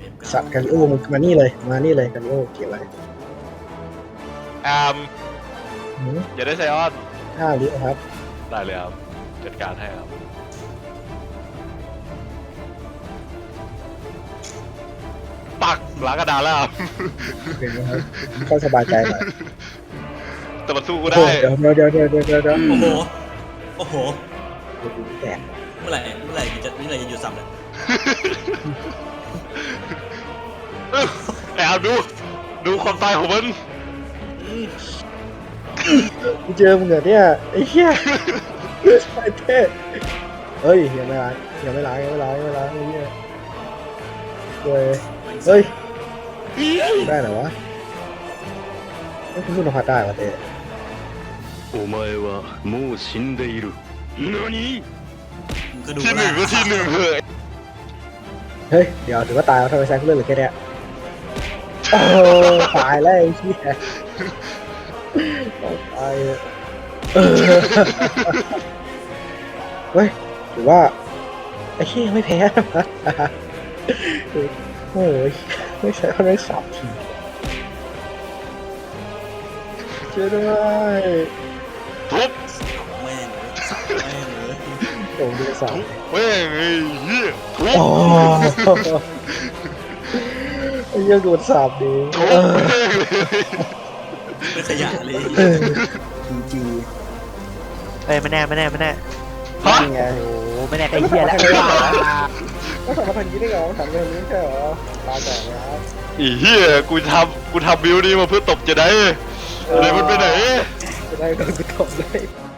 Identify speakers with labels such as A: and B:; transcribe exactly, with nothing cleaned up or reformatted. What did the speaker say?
A: สัตว์กาลิโอมึงมานี่เลยมานี่เลยกาลิโอเกี่ยวอะไร
B: แอม
A: หืม
B: อย่าได้ไซออน
A: ห้าลิครับ
B: ได้เลยครับจัดการให้ครับปักล้างกระดานแล้วครับ
A: เป็นนะครับค่อยสบายใจหน่อย
B: แต่มันสู้กู
A: โอ้
B: ได้
A: เดี๋ยวเดี๋ยวเดี๋ยวเดี๋ยวเดี๋ยวเดี๋ยวเดี๋ยว
C: โอ้โหโอ้โห
A: แตก
C: เมื่อไหร่เมื่อไหร่จะเมื่อไหร่จะหยุดซ้ำเลย
B: แอบดู ดูความตายของมัน
A: กูเจอมึงเหรอเนี่ยไอ้เหี้ยไอ้เท่เฮ้ยยังไม่ล้างยังไม่ล้างยังไม่ล้างยังไม่ล้างไอ้เหี้ยเฮ้ยเฮ้ยได้เหรอวะไม่คุณนพัดได้วะเต้
D: お前はもう死んでいる。何？
C: มึงก็ดู
B: ที่หนึ่งก็ที่หนึ่งเถอะ
A: เฮ้ยเดี๋ยวถือว่าตายแล้วทำไมแซงเลือดเหลือแค่เนี้ยโอ้ตายแล้วไอ้เหี้ยตายเลยเออเฮ้ยถือว่าไอ้เหี้ยยังไม่แพ้นะโอ้ยไม่ใช่เขาได้สามทีเชื่อด้วย
B: ทุบ
C: แม่งเลยแม่งเลย
A: โอ้ดูสาม
B: ทุบเว้ยไอ้เหี้ยทุบ
A: โอ้ไอ้ยังโดนสาบดี
B: ทุบ
A: เออ
B: แม่งเลย
C: เป็นขยะเลย
A: เออจริง
E: เอ้ยไม่แน่ไม่แน่ไม่แน่
A: ๆ
B: ฮะ
A: นี่ไง
E: โอ้ไม่แน่ไอ้เหี้ยแล้ว
A: ก็ทำมาทางนี้ได้ไงวะทำแบบนี้ใช่เหรอตาแตกแล้ว
B: ไอ้เหี้ยกูทำกูทำบิวนี้มาเพื่อตบจะได้อะไรมันไปไหน
A: จะได้โดนกระทบเลย